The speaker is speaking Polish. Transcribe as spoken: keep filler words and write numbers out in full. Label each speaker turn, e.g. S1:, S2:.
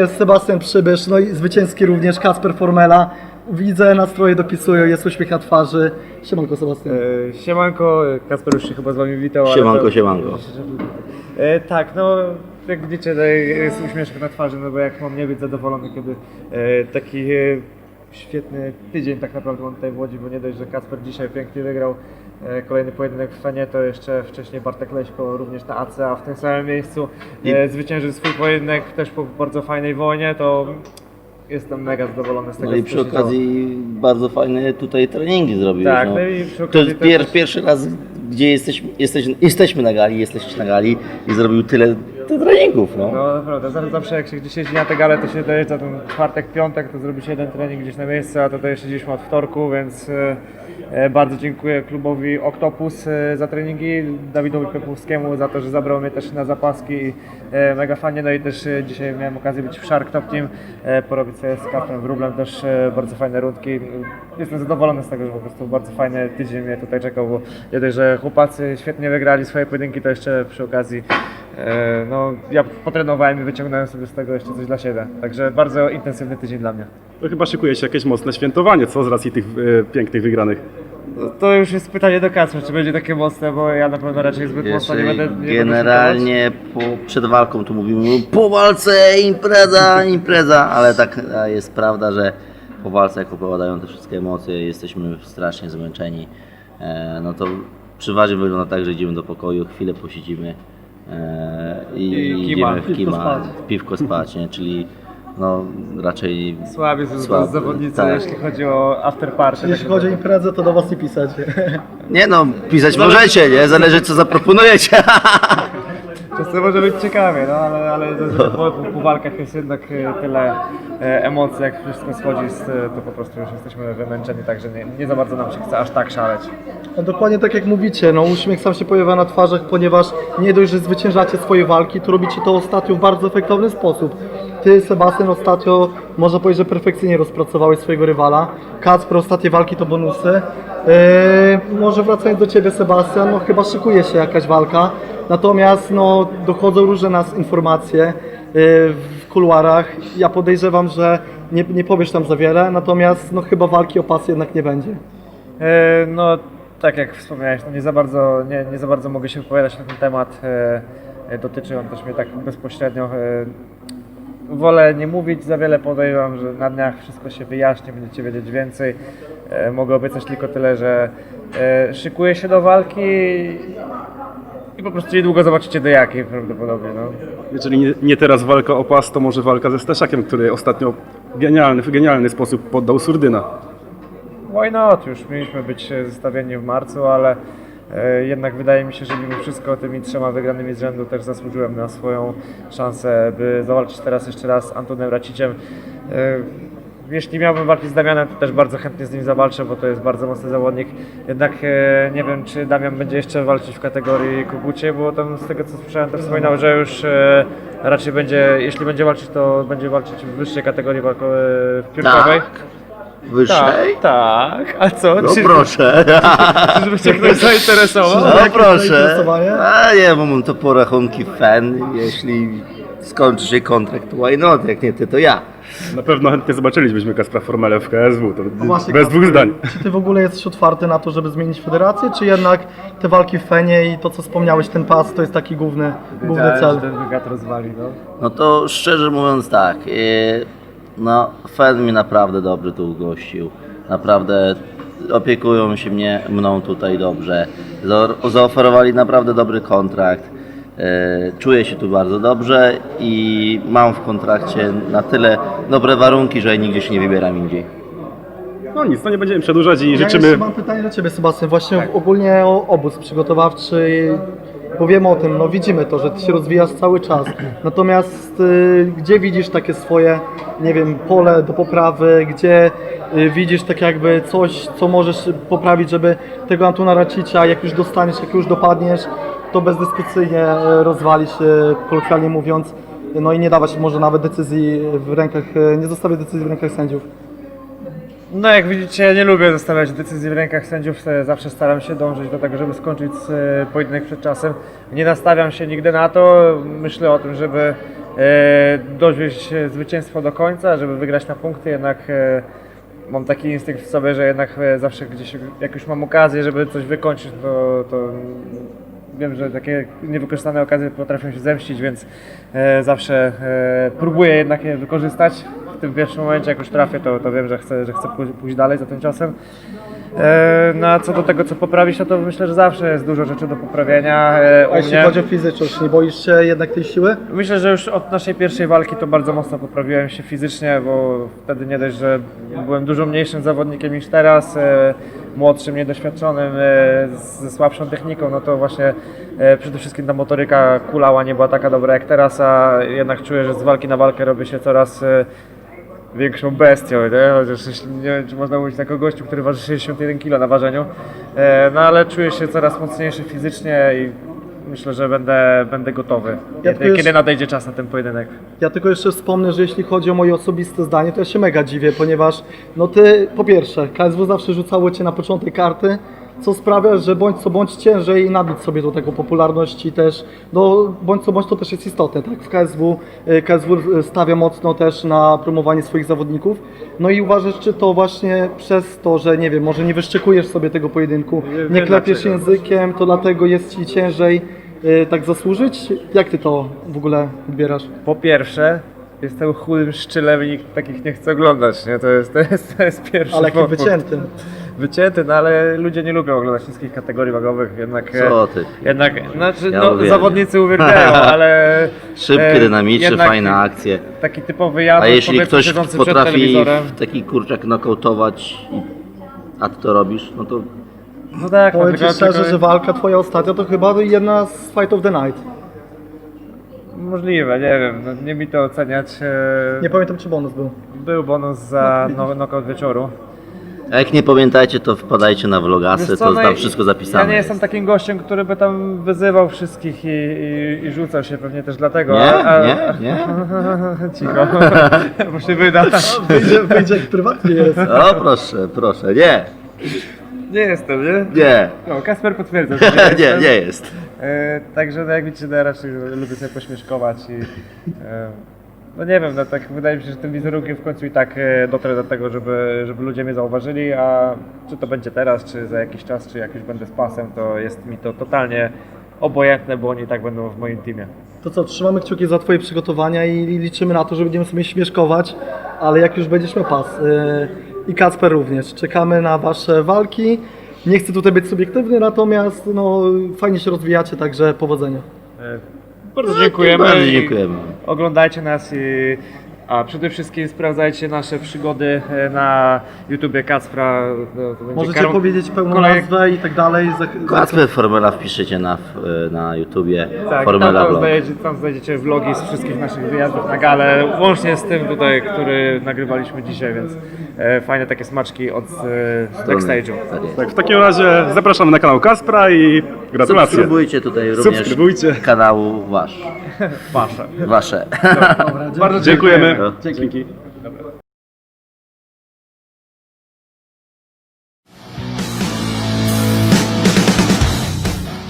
S1: Jest Sebastian Przybysz, no i zwycięski również Kacper Formela. Widzę, nastroje dopisują, jest uśmiech na twarzy. Siemanko Sebastian.
S2: E, siemanko, Kacper już się chyba z wami witał. ale
S3: Siemanko,
S2: to-
S3: siemanko.
S2: E, tak, no jak widzicie, no, jest uśmieszek na twarzy, no bo jak mam nie być zadowolony, kiedy e, taki e, świetny tydzień tak naprawdę mam tutaj w Łodzi, bo nie dość, że Kacper dzisiaj pięknie wygrał e, kolejny pojedynek w Fenie, to jeszcze wcześniej Bartek Leśko również na A C, a w tym samym miejscu e, zwyciężył swój pojedynek też po bardzo fajnej wojnie, to jestem mega zadowolony z tego,
S3: No i
S2: co
S3: przy
S2: się działo.
S3: okazji bardzo fajne tutaj treningi zrobiłeś.
S2: Tak,
S3: no.
S2: no i przy
S3: To
S2: okazji
S3: jest
S2: też-
S3: pier, pierwszy raz, gdzie jesteś, jesteś, jesteśmy na gali, jesteś na gali i zrobił tyle, tyle treningów. No.
S2: No naprawdę, zawsze, zawsze jak się gdzieś jeździ na te gale, to się dojeżdża ten czwartek, piątek, to zrobi się jeden trening gdzieś na miejscu, a tutaj siedzieliśmy od wtorku, więc e, e, bardzo dziękuję klubowi Octopus e, za treningi, Dawidowi Pepłowskiemu za to, że zabrał mnie też na zapaski i e, mega fajnie, no i też e, dzisiaj miałem okazję być w Shark Top Team, e, porobić sobie z Kacprem Wróblem też e, bardzo fajne rundki. Jestem zadowolony z tego, że po prostu bardzo fajny tydzień mnie tutaj czekał, bo nie dość, że chłopacy świetnie wygrali swoje pojedynki, to jeszcze przy okazji E, no, ja potrenowałem i wyciągnąłem sobie z tego jeszcze coś dla siebie. Także bardzo intensywny tydzień dla mnie.
S4: To chyba szykuje się jakieś mocne świętowanie, co z racji tych e, pięknych wygranych.
S2: No, to już jest pytanie do Kacpra, czy będzie takie mocne, bo ja na pewno raczej zbyt mocno nie
S3: Jeszcze
S2: będę nie
S3: generalnie po, przed walką tu mówimy po walce impreza, impreza, ale tak a jest prawda, że po walce jak opadają te wszystkie emocje, jesteśmy strasznie zmęczeni, e, no to przeważnie wygląda tak, że idziemy do pokoju, chwilę posiedzimy e, i,
S2: I kima.
S3: idziemy w
S1: Piwko
S3: kima,
S1: spać.
S3: piwko spać, nie? Czyli no raczej
S2: Słabi są
S3: Słaby,
S2: zawodnicy,
S3: tak.
S2: jeśli chodzi o after party.
S1: Jeśli
S2: tak
S1: chodzi o imprezę, to do was nie pisać.
S3: nie no, pisać możecie, nie? Zależy co zaproponujecie.
S2: Czasem może być ciekawie, no ale, ale po, po, po walkach jest jednak e, tyle e, emocji, jak wszystko schodzi, z, to po prostu już jesteśmy wymęczeni, także nie, nie za bardzo nam się chce aż tak szaleć.
S1: No dokładnie tak jak mówicie, no uśmiech sam się pojawia na twarzach, ponieważ nie dość, że zwyciężacie swoje walki, to robicie to ostatnio w bardzo efektowny sposób. Ty, Sebastian, ostatnio można powiedzieć, że perfekcyjnie rozpracowałeś swojego rywala. Kacper, ostatnie walki to bonusy. Yy, może wracając do Ciebie, Sebastian, no chyba szykuje się jakaś walka. Natomiast no, dochodzą różne nas informacje yy, w kuluarach. Ja podejrzewam, że nie, nie powiesz tam za wiele, natomiast no chyba walki o pas jednak nie będzie.
S2: E, No, tak jak wspomniałeś, no nie, za bardzo, nie, nie za bardzo mogę się wypowiadać na ten temat. E, e, dotyczy on też mnie tak bezpośrednio. E, wolę nie mówić za wiele, podejrzewam, że na dniach wszystko się wyjaśni, będziecie wiedzieć więcej. E, mogę obiecać tylko tyle, że e, szykuję się do walki i po prostu niedługo zobaczycie do jakiej prawdopodobnie. No.
S4: Jeżeli nie, nie teraz walka o pas, to może walka ze Staszakiem, który ostatnio genialny, w genialny sposób poddał Surdyna.
S2: Why not? Już mieliśmy być e, zestawieni w marcu, ale e, jednak wydaje mi się, że mimo wszystko tymi trzema wygranymi z rzędu też zasłużyłem na swoją szansę, by zawalczyć teraz jeszcze raz z Antonem Raciciem. E, jeśli miałbym walczyć z Damianem, to też bardzo chętnie z nim zawalczę, bo to jest bardzo mocny zawodnik. Jednak e, nie wiem, czy Damian będzie jeszcze walczyć w kategorii Kubucie, bo tam z tego co słyszałem, to wspominał, że już e, raczej będzie, jeśli będzie walczyć, to będzie walczyć w wyższej kategorii walko, e, piórkowej.
S3: Wyższej?
S2: tak. A co?
S3: No
S2: Czy-
S3: proszę.
S2: Żeby cię ktoś zainteresował?
S3: No
S1: Jakieś
S3: proszę.
S1: zainteresowanie?
S3: A nie, bo mam to po rachunki fan. Jeśli skończy się kontrakt, to why not? Jak nie ty, to ja.
S4: Na pewno chętnie zobaczylibyśmy Kacpra Formelę w K S W, to
S1: No właśnie,
S4: bez
S1: Kacper,
S4: dwóch zdań.
S1: Czy ty w ogóle jesteś otwarty na to, żeby zmienić federację, czy jednak te walki w Fenie i to, co wspomniałeś, ten pas, to jest taki główny, główny
S2: Wiedziałem,
S1: cel?
S2: że ten wywiad rozwali, no.
S3: No to szczerze mówiąc tak, yy, no Fed mnie naprawdę dobrze tu ugościł. Naprawdę opiekują się mnie, mną tutaj dobrze. Za- Zaoferowali naprawdę dobry kontrakt. Yy, Czuję się tu bardzo dobrze i mam w kontrakcie na tyle dobre warunki, że nigdzie się nie wybieram indziej.
S4: No nic, no nie będziemy przedłużać i
S1: Ja
S4: życzymy...
S1: jeszcze mam pytanie do Ciebie, Sebastian, właśnie ogólnie o obóz przygotowawczy. Powiemy o tym, no widzimy to, że Ty się rozwijasz cały czas. Natomiast y, gdzie widzisz takie swoje, nie wiem, pole do poprawy, gdzie y, widzisz tak jakby coś, co możesz poprawić, żeby tego Antona Racicia, jak już dostaniesz, jak już dopadniesz, to bezdyskusyjnie y, rozwalić, y, kolokwialnie mówiąc, no i nie dawać może nawet decyzji w rękach, y, nie zostawiać decyzji w rękach sędziów.
S2: No jak widzicie, ja nie lubię zostawiać decyzji w rękach sędziów, e, zawsze staram się dążyć do tego, żeby skończyć e, pojedynek przed czasem. Nie nastawiam się nigdy na to, myślę o tym, żeby e, dowieźć zwycięstwo do końca, żeby wygrać na punkty, jednak e, mam taki instynkt w sobie, że jednak e, zawsze gdzieś, jak już mam okazję, żeby coś wykończyć, to, to wiem, że takie niewykorzystane okazje potrafią się zemścić, więc e, zawsze e, próbuję jednak je wykorzystać. W tym pierwszym momencie, jak już trafię, to, to wiem, że chcę, że chcę pój- pójść dalej za tym ciosem. E, no a co do tego, co poprawić, no to myślę, że zawsze jest dużo rzeczy do poprawienia e, u
S1: A jeśli
S2: mnie.
S1: chodzi o fizyczność, nie boisz się jednak tej siły?
S2: Myślę, że już od naszej pierwszej walki to bardzo mocno poprawiłem się fizycznie, bo wtedy nie dość, że byłem dużo mniejszym zawodnikiem niż teraz, e, młodszym, niedoświadczonym, e, ze słabszą techniką, no to właśnie e, przede wszystkim ta motoryka kulała nie była taka dobra jak teraz, a jednak czuję, że z walki na walkę robię się coraz e, większą bestią, nie? Chociaż jeśli- nie wiem, czy można mówić takiego gościu, który waży sześćdziesiąt jeden kilo na ważeniu, e, no ale czuję się coraz mocniejszy fizycznie i myślę, że będę, będę gotowy,
S1: Ja
S2: kiedy,
S1: tylko już-
S2: kiedy nadejdzie czas na ten pojedynek.
S1: Ja tylko jeszcze wspomnę, że jeśli chodzi o moje osobiste zdanie, to ja się mega dziwię, ponieważ no ty, po pierwsze, K S W zawsze rzucało cię na początek karty, co sprawia, że bądź co bądź ciężej nabić sobie do tego popularności też, no bądź co bądź to też jest istotne, tak? W K S W, y, K S W stawia mocno też na promowanie swoich zawodników, no i uważasz, czy to właśnie przez to, że nie wiem, może nie wyszczekujesz sobie tego pojedynku,
S2: wiem
S1: nie klepiesz
S2: dlaczego.
S1: językiem, to dlatego jest ci ciężej y, tak zasłużyć? Jak ty to w ogóle odbierasz?
S2: Po pierwsze, jestem chudym szczylem i nikt takich nie chce oglądać, nie? To jest, to jest, to jest pierwszy
S1: Ale jakim
S2: powód.
S1: wyciętym.
S2: Wycięty, no ale ludzie nie lubią oglądać wszystkich kategorii wagowych, jednak... e,
S3: Co ty?
S2: Jednak, znaczy,
S3: Ja
S2: no,
S3: uwielbiam.
S2: zawodnicy uwielbiają, ale...
S3: Szybkie,
S2: e,
S3: dynamiczne,
S2: jednak
S3: fajne akcje.
S2: Taki typowy
S3: A
S2: Janusz,
S3: jeśli
S2: powiedzmy,
S3: ktoś
S2: siedzący przed
S3: potrafi
S2: telewizorem.
S3: w taki kurczak nokautować, i- a ty to robisz, no to
S2: No tak, no,
S1: Powiem ci
S2: tylko,
S1: szczerze,
S2: tylko,
S1: że walka twoja ostatnia to chyba jedna z Fight of the Night.
S2: możliwe, nie wiem, no, nie mi to oceniać. e,
S1: Nie pamiętam, czy bonus był.
S2: Był bonus za no, knockout wieczoru.
S3: a jak nie pamiętajcie, to wpadajcie na vlogasy,
S2: Wiesz co,
S3: to
S2: no
S3: tam
S2: i-
S3: wszystko zapisane.
S2: Ja nie jestem takim gościem, który by tam wyzywał wszystkich i, i, i rzucał się pewnie też dlatego.
S3: Nie,
S2: a, a,
S3: nie, nie.
S2: Cicho, bo się wyda.
S1: Wyjdzie, wyjdzie jak prywatnie jest.
S3: O proszę, proszę, nie,
S2: Nie jestem, nie?
S3: nie,
S2: No, Kasper potwierdza, że nie
S3: nie,
S2: jestem.
S3: nie jest.
S2: E, także no, jak widzicie, no, ja raczej lubię sobie pośmieszkować i e, no nie wiem, no tak wydaje mi się, że tym wizerunkiem w końcu i tak e, dotrę do tego, żeby, żeby ludzie mnie zauważyli, a czy to będzie teraz, czy za jakiś czas, czy jak już będę z pasem, to jest mi to totalnie obojętne, bo oni i tak będą w moim teamie.
S1: To co, trzymamy kciuki za twoje przygotowania i liczymy na to, że będziemy sobie śmieszkować, ale jak już będziesz miał pas. Yy, I Kacper również. Czekamy na wasze walki. Nie chcę tutaj być subiektywny, natomiast no, fajnie się rozwijacie, także powodzenia.
S2: E, bardzo dziękujemy.
S3: Bardzo
S2: i
S3: dziękujemy.
S2: Oglądajcie nas i a przede wszystkim sprawdzajcie nasze przygody e, na YouTubie Kacpra. No, to będzie
S1: Możecie
S2: karm-
S1: powiedzieć pełną
S2: kolej-
S1: nazwę i tak dalej. Zach-
S3: Kacper Formela wpiszecie na, na YouTubie,
S2: Tak,
S3: Formela
S2: tam, tam,
S3: Vlog.
S2: znajdziecie, tam znajdziecie vlogi z wszystkich naszych wyjazdów na galę, łącznie z tym tutaj, który nagrywaliśmy dzisiaj, więc e, fajne takie smaczki od e, backstage'u.
S3: Tak jest.
S4: Tak, w takim razie zapraszamy na kanał Kaspra i gratulacje.
S3: Subskrybujcie tutaj również
S4: Subskrybujcie.
S3: kanału wasz,
S2: Wasze.
S3: wasze.
S2: Bardzo
S4: Dziękujemy.
S3: No.
S4: Dzięki.